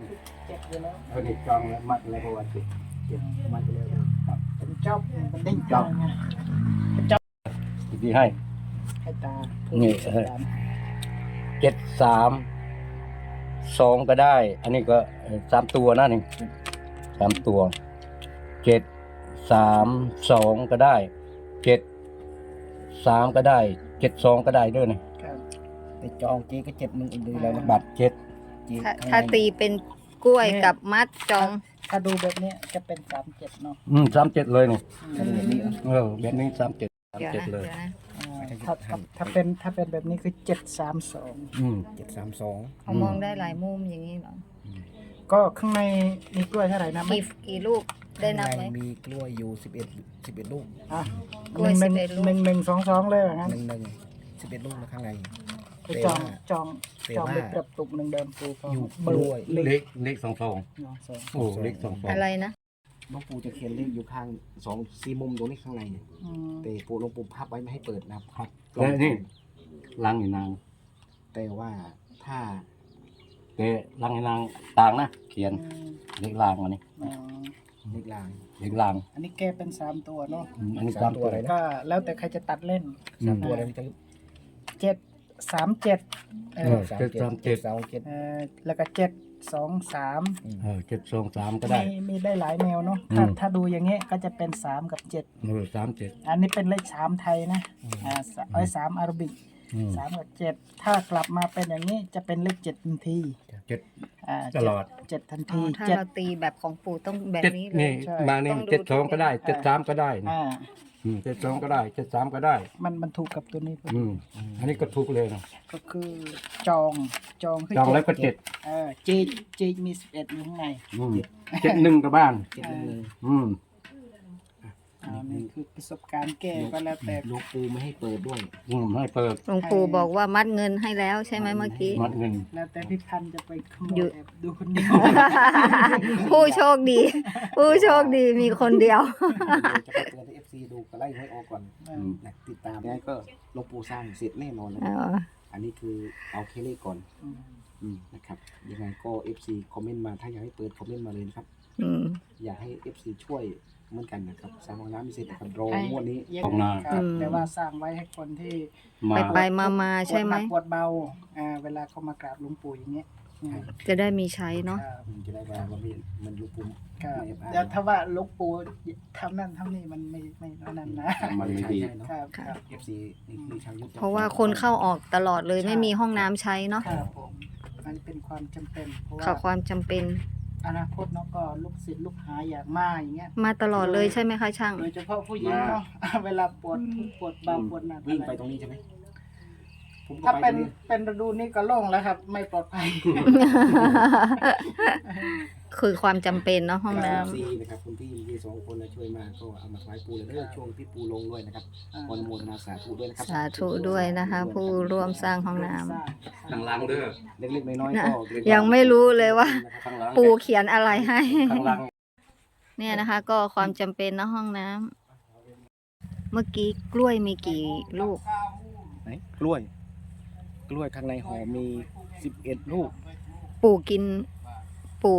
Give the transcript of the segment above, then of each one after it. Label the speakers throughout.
Speaker 1: เจ็บอยู่แล้ว
Speaker 2: เขาได้จองแล้วมัดแล้วเพราะว่าเจ็บมัดแล้วครับ
Speaker 1: เป็นจอบเป็นเด้งจอบไง
Speaker 2: ดีให้
Speaker 1: ให้ตา
Speaker 2: นี่ 7-3-2ก็ได้ อันนี้ก็3 ตัวนะนี่3 ตัว7-3-2ก็ได้7-3ก็ได้7-2ก็ได้ด้วยนี่
Speaker 1: ครับ
Speaker 3: ไปจองเจ๊ก็7 1อีกเลยแล้วนะ
Speaker 2: บัตร7
Speaker 3: เจ๊
Speaker 4: ถ้าตีเป็นกล้วยกับมัดจอง
Speaker 1: ถ้าดูแบบนี้จะเป็น37เนาะ
Speaker 2: 37เลยนี่
Speaker 3: แบบนี้
Speaker 2: แบบนี้37
Speaker 4: เดี๋ยวนะ
Speaker 2: 37เลย
Speaker 4: เดี๋ยวนะ
Speaker 1: ถ้าเป็นแบบนี้คือ732
Speaker 3: 732
Speaker 4: เขามองได้หลายมุมอย่างนี้เหรอ
Speaker 1: ก็ข้างในมีกล้วยเท่าไหร่นะ
Speaker 4: กี่ลูกได้นับไหม
Speaker 3: ข้างในมีกล้วยอยู่11ลูก
Speaker 1: อ่ะ
Speaker 4: กล้วย
Speaker 1: หนึ่ง
Speaker 4: 11ลูก
Speaker 1: 1-1-2-2เลยว่างั้น
Speaker 3: 11ลูกนะข้างใน
Speaker 1: ไปจองไปกระตุกหนึ่งเดิมปูพอ
Speaker 3: อยู่
Speaker 1: เบอร์
Speaker 3: กล้วย
Speaker 1: เล็ก
Speaker 2: เลข22
Speaker 1: สอง
Speaker 2: โอ้เลข22
Speaker 4: อะไรนะ
Speaker 3: หลวงปู่จะเขียนเลขอยู่ข้าง4 มุมตรงนี้ข้างในเนี่ย
Speaker 1: อืม
Speaker 3: แต่ปู่หลวงปู่พับไว้ไม่ให้เปิดนะครับ
Speaker 2: แล้วนี่ลังอีนาง
Speaker 3: แต่ว่าถ้า
Speaker 2: แต่ลังอีนางต่างนะเขียนเลขลางอันนี้
Speaker 1: อ๋อ
Speaker 3: เลขลาง
Speaker 2: เลขลาง
Speaker 1: อันนี้แกเป็น3ตัวเนาะ
Speaker 2: อันนี้
Speaker 3: 3
Speaker 2: 3
Speaker 3: ตั
Speaker 2: ตัว ว
Speaker 3: อะไรนะ
Speaker 1: ก็แล้วแต่ใครจะตัดเล่น
Speaker 3: 3 ตัวอะไรนะจ๊ะ
Speaker 1: 7-3-7
Speaker 3: 737
Speaker 1: แล้วก็7-2-3
Speaker 2: 7-2-3ก็ได้
Speaker 1: มีได้หลายแนวเนาะ
Speaker 2: อืม
Speaker 1: ถ้าดูอย่างเงี้ยก็จะเป็น3กับ7
Speaker 2: 37
Speaker 1: อันนี้เป็นเลข3ไทยนะ3อาราบิก 3กับ7ถ้ากลับมาเป็นอย่างนี้จะเป็นเลข7ทันที
Speaker 2: ตลอด
Speaker 1: 7ทัน
Speaker 4: อ๋
Speaker 1: ที
Speaker 4: อถ้าเราตีแบบของปู่ต้องแบบ
Speaker 2: 7
Speaker 4: นี้เลย
Speaker 2: นี่
Speaker 1: ใช่
Speaker 2: มานี่
Speaker 4: ต้องดู
Speaker 2: 72ก็ได้73ก็ได้นะ
Speaker 1: อ่า
Speaker 2: 72ก็ได้73ก็ได้
Speaker 1: มันถูกกับตัวนี้พอดี
Speaker 2: อันนี้ก็ถูกเลยนะ
Speaker 1: ก็คือจองคือ
Speaker 2: จองแล้วก็
Speaker 1: เจมี11อยู่ข้างใน
Speaker 2: 71กับบ้าน
Speaker 3: 711
Speaker 2: อืม
Speaker 1: นี่คือประสบการณ์แก้ก็แล้วแต่
Speaker 3: หลวงปู่ไม่ให้เปิดด้วย
Speaker 2: ให้เปิด
Speaker 4: หลวงปู่บอกว่ามัดเงินให้แล้วใช่ไหมเมื่อกี้
Speaker 2: มัดเงิน
Speaker 1: แล้วแต่พี่พันธุ์จะไปขโม
Speaker 4: หยุ
Speaker 1: ย
Speaker 4: ด
Speaker 1: แอบดูคนเดียว
Speaker 4: ผู้โชคดี ผู้โชคดีมีคนเดียว
Speaker 3: จะไปเตือนให้ FC ดูก็ไล่ให้ออกก่อนนะติดตามแล้วก็หลวงปู่สร้างเสร็จแน่นอนนะ
Speaker 4: อ๋อ
Speaker 3: อันนี้คือเอาแค่เลขก่อน นะครับยังไงก็ FC คอมเมนต์มาถ้าอยากให้เปิดคอมเมนต์มาเลยนะครับ
Speaker 4: อืม
Speaker 3: อยากให้ FC ช่วยเหมือนกันนะครับสร้างห้องน้ำไม่เสร็จนะครับรอ
Speaker 1: ให้
Speaker 3: งวดนี้
Speaker 1: เย็น
Speaker 2: ของนา
Speaker 1: ครับแต่ว่าสร้างไว้ให้คนที่
Speaker 2: มา
Speaker 4: ไปมาใช่ไหม
Speaker 1: ปวดเบาเวลาเขามากราบหลวงปู่อย่างเงี้ย
Speaker 4: จะได้มีใช้เนาะ
Speaker 1: ครับ
Speaker 3: จะได้ว่ามันลูกปุ่ม
Speaker 1: ครับ
Speaker 3: ไม่
Speaker 1: เดี๋ยวถ้าว่าหลวงปู่ทำนั่นทำนี่มันไม่นั่นนะ
Speaker 2: มันไม่ดี
Speaker 3: เนาะ
Speaker 1: ครับ
Speaker 4: ค่ะ
Speaker 1: ครับ
Speaker 3: FC นี่คือชาวยุทธ
Speaker 4: เพราะว่าคนเข้าออกตลอดเลยไม่มีห้องน้ำใช้เนาะ
Speaker 1: ครับผมมันเป็นความจำเป็นเพราะ
Speaker 4: ข่า
Speaker 1: ว่า
Speaker 4: ความจำเป็น
Speaker 1: อนาคตเนาะก็ลูกศิษย์ลูกหาอยากมาอย่างเงี้ย
Speaker 4: มาตลอดเลยใช่ไหมคะช่าง
Speaker 1: โดยเฉพาะผู้หญิงเนาะ เวลาปวดทุกข์ปวดเบาปวดหนัก
Speaker 3: วิ่งไปตรงนี้ใช่ไหมผมก็
Speaker 1: ถ้า
Speaker 3: ไป
Speaker 1: เป็นฤดูนี้ก็โล่งแล้วครับ ไม่ปลอดภัย
Speaker 4: คือความจำเป็นเนาะห้องน้
Speaker 3: ซีนะครับคุณพี่มี2 คนนะช่วยมาก็เอามาไว้ปูเลยเด้อช่วงที่ปูลงด้วยนะครับอนุโมทนาสาธุด้วยนะครั
Speaker 4: ำสาธุด้วยนะคะ ผู้ร่วมสร้างห้องน้ำ
Speaker 2: ข้างล่างเด้อ
Speaker 3: เล็กๆน้อยๆก็
Speaker 4: ยังไม่รู้เลยว่า
Speaker 2: ข้างล่าง
Speaker 4: ปู่เขียนอะไรให้
Speaker 2: ข้างล่าง
Speaker 4: เนี่ยนะคะ ก็ความจำเป็นเนาะห้องน้ำเมื่อกี้กล้วยมีกี่ลูก
Speaker 3: ไหนกล้วยข้างในห่อมี11ลูก
Speaker 4: ปู่กินปู่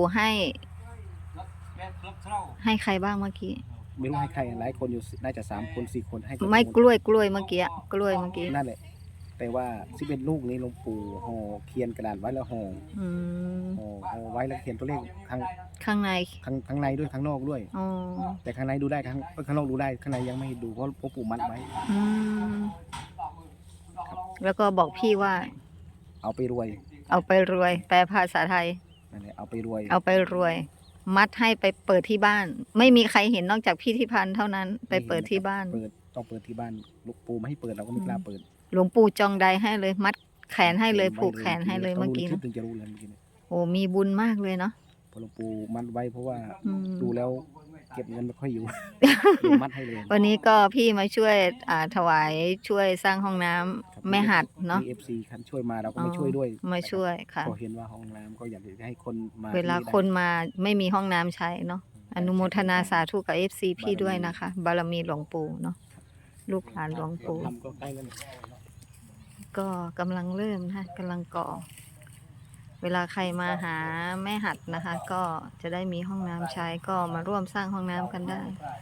Speaker 4: ให้ใครบ้างเมื่อกี้
Speaker 3: ไม่รู้ให้ใครหลายคนอยู่น่าจะ3 คน 4 คนให้กับ
Speaker 4: ไม่กล้วยเมื่อกี้กล้วยเมื่อกี้
Speaker 3: นั่นแหละแต่ว่า11ลูกนี้หลวงปู่ห่อเขียนกระดาษไว้แล้วห่อ
Speaker 4: อืม
Speaker 3: ห่อไว้แล้วเขียนตัวเลขข้าง
Speaker 4: ข้างใน
Speaker 3: ข้างในด้วยข้างนอกด้วย
Speaker 4: อ๋อ
Speaker 3: แต่ข้างในดูได้ข้างนอกดูได้ข้างในยังไม่ให้ดูเพราะหลวงปู่มัดไว้
Speaker 4: อืมแล้วก็บอกพี่ว่า
Speaker 3: เอาไปรวย
Speaker 4: เอาไปรวย แปลภาษาไทย
Speaker 3: นั่นแหละเอาไปรวย
Speaker 4: เอาไปรวย มัดให้ไปเปิดที่บ้าน ไม่มีใครเห็นนอกจากพี่ที่พันเท่านั้น ไปเปิดที่บ้าน
Speaker 3: ต้องเปิดที่บ้านหลวงปู่ไม่ให้เปิดเราก็ไม่กล้าเปิด
Speaker 4: หลวงปู่จองใดให้เลย มัดแขนให้เลยผูกแขนให้เลยเมื่อกี้
Speaker 3: ต้องดูในคลิป
Speaker 4: นะ
Speaker 3: ถึงจะรู้เลยเมื่อกี้เนี่ย
Speaker 4: โอ้มีบุญมากเลยเนาะ
Speaker 3: พอหลวงปู่มัดไว้เพราะว่า
Speaker 4: อืม
Speaker 3: ดูแล้วเก็บเงินไม่ค่อยอยู่ เดี๋ยวมัดให้เลย
Speaker 4: วันนี้ก็พี่มาช่วยถวายช่วยสร้างห้องน้ำแม่หัดเนาะ
Speaker 3: มี FC คันช่วยมาเราก็ไม่ช่วยด้วย
Speaker 4: มาช่วยค่ะ
Speaker 3: พอเห็นว่าห้องน้ำก็อยากจะให้คนมา
Speaker 4: เวลา
Speaker 3: ที่ได้
Speaker 4: คนมาไม่มีห้องน้ำใช้เนาะอนุโมทนาสาธุกับ FC พี่ด้วยนะคะ บารมีหลวงปู่เนาะลูกหลานหลวงปู่
Speaker 3: ทำก็ใกล้แล้วเนี่ย
Speaker 4: ก็กำลังเริ่มนะกำลังก่อเวลาใครมาหาแม่หัดนะคะ ก็จะได้มีห้องน้ำใช้ก็มาร่วมสร้างห้องน้ำกันได้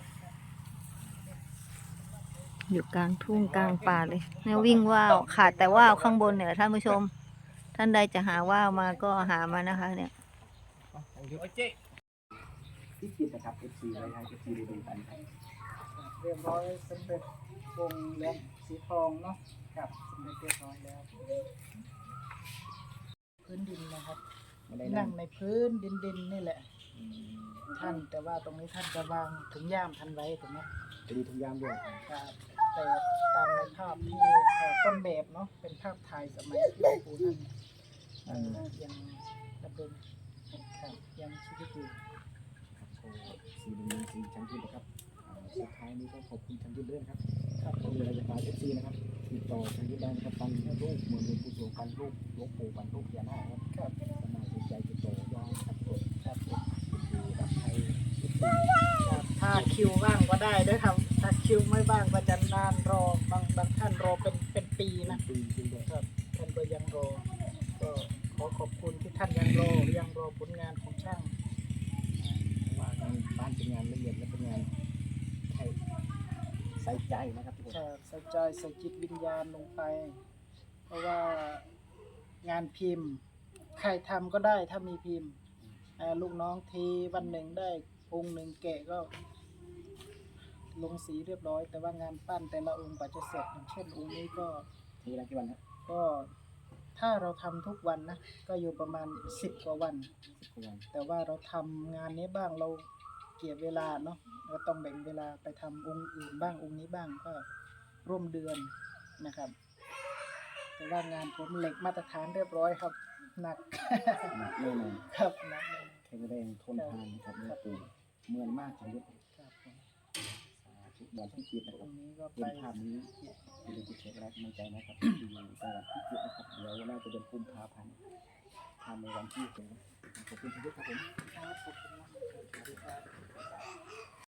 Speaker 4: อยู่กลางทุ่งกลางป่าเลยเนี่ยวิ่งว่าวขาดแต่ว่าวข้างบนเนี่ยท่านผู้ชม ท่านใดจะหาว่าวมาก็หามานะคะเนี่ย
Speaker 3: ที่คิดนะครับ FC ไว้ให้ FC ได้ดูกันครับ
Speaker 1: เรียบร้อยสำเร็จวงเล็บสีทองเนาะครับสำเร็จเรียบร้อยแล้ว พื้นดินนะครับ
Speaker 3: ไม่ได้
Speaker 1: นั่
Speaker 3: นั่
Speaker 1: ง
Speaker 3: ง
Speaker 1: ในพื้นดินนี่แหละ ท่านแต่ว่าตรงนี้ท่านจะวางถุงย่ามท่านไว้ถูกไหม
Speaker 3: จะมีทุกอยางด้วย
Speaker 1: ครับแต่ตามในภาพที่ต้นแบบเนาะเป็นภาพถ่ายสมัยที่หลวงปู่ท่านยังดำรงครับยังชีวิตอยู่
Speaker 3: ครับโชว์สีเหลืองสีชันยืนนะครับสุดท้ายนี้ก็ขอบคุณชันยืนด้วยนะครับ
Speaker 1: ครับผม
Speaker 3: มีอะไรจะฝาก FC นะครับติดต่อชันยืนได้นะครับฟันรูปเหมือนหลวงปู่สวงฟันรูปหลวงปู่ฟันรูปพญานาคครับ
Speaker 1: ครับ
Speaker 3: สมัยสนใจติดต่อได้ครับผม
Speaker 1: ครับผม
Speaker 3: ดูรับไทย
Speaker 1: ครับถ้าคิวว่างก็ได้ด้วยครับถ้าคิวไม่ว่างก็จะนานรอบางท่านรอเป็นปีนะ
Speaker 3: ปีจริงด้วย
Speaker 1: ครับท่านก็ยังรอก็ขอขอบคุณที่ท่านยังรอผลงานของช่าง
Speaker 3: ว่างานบ้านเป็นงานละเอียดและเป็นงานใส่ใจนะครับทุกคน
Speaker 1: ใส่ใจใส่จิตวิญญาณลงไป เพราะว่างานพิมพ์ใครทำก็ได้ถ้ามีพิมพ์ลูกน้องทีวันหนึ่งได้องค์หนึ่งแกะก็ลงสีเรียบร้อย แต่ว่างานปั้นแต่ละองค์กว่าจะเสร็จอย่างเช่นองค์นี้ก็
Speaker 3: ทีละกี่วันครับ
Speaker 1: ก็ถ้าเราทำทุกวันนะก็อยู่ประมาณ10 กว่าวัน
Speaker 3: 10 กว่าวัน
Speaker 1: แต่ว่าเราทำงานนี้บ้างเราเกี่ยเวลาเนาะเราต้องแบ่งเวลาไปทำองค์อื่นบ้างองค์นี้บ้างก็ร่วมเดือนนะครับ แต่ว่างานผมเหล็กมาตรฐานเรียบร้อยครับหนัก
Speaker 3: หนักแน่นอน
Speaker 1: ครับหนักเลย
Speaker 3: แข็งแรงทนทานนะครับนี่คือเหมือนมากจริงๆ
Speaker 1: ครับผม
Speaker 3: สาธุบอลที่จิตนะค
Speaker 1: ต
Speaker 3: รั
Speaker 1: ร
Speaker 3: บ
Speaker 1: งนี้ก็ไป
Speaker 3: เห็นภาพนี้อย่าลืมกดแชร์และกำลังใจนะครับที่อยู่จังหวัดพิจิตรนะครับเดี๋ยวน่าจะเป็นกุมภาพันธ์ทำในวันที่6ขอบคุณทุกท่านครับผม
Speaker 1: ครับขอบคุณมากครับ